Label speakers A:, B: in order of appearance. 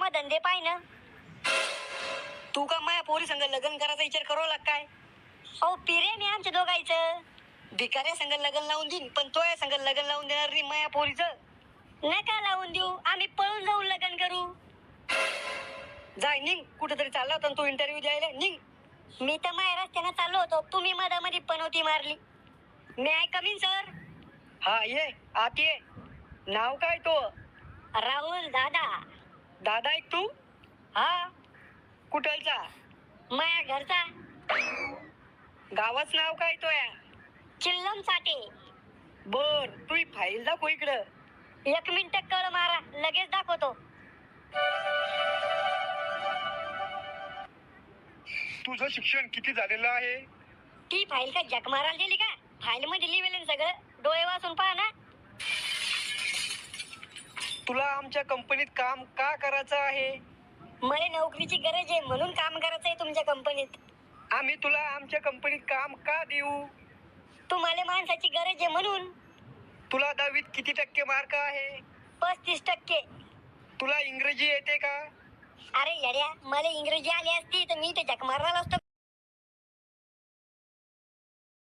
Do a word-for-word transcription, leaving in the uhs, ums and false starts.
A: धंदे पाय ना.
B: तू का माया पोरी संग लग्न करायचा विचार करू लाग काय?
A: अहो पिरे मी आमच्या दोघायचं.
B: भिकाऱ्या संग लग्न लावून देईन, पण तो या संग लग्न लावून देणार नाही माया पोरीचं.
A: नका लावून देऊ, आम्ही पळून जाऊन लग्न करू.
B: जाय निघ, कुठेतरी चालला होता तू इंटरव्ह्यू द्यायला, निघ.
A: मी तर माझ्या रस्त्यानं चाललो होतो, तुम्ही मधामध्ये पनवती मारली. मी आय कमीन सर?
B: हा ये, आत ये. नाव काय तो?
A: राहुल दादा.
B: दादा एक तू?
A: हा.
B: कुठलचा?
A: माया घरचा.
B: गावाच नाव काय तो या?
A: चिल्लम साठे.
B: बर, तू ही फाईल दाखव इकडं.
A: एक मिनिट कळ मारा, लगेच दाखवतो.
C: तुझं शिक्षण किती झालेलं आहे?
A: ती फाईल का जग मारायला दिली का? फाईल मध्ये लिहिलेलं सगळं, डोळे वाचून पहा ना.
B: तुला आमच्या कंपनीत काम का करायचं आहे?
A: मला नोकरीची गरज आहे म्हणून काम करायचं आहे तुमच्या कंपनीत.
B: आम्ही तुला आमच्या कंपनीत काम का देऊ?
A: तुम्हाला माणसाची गरज आहे म्हणून.
B: तुला दहावीत किती टक्के मार्क आहे?
A: पस्तीस टक्के.
B: तुला इंग्रजी येते का?
A: अरे येड्या, मला इंग्रजी आली असती तर मी ते जग मारला असतो.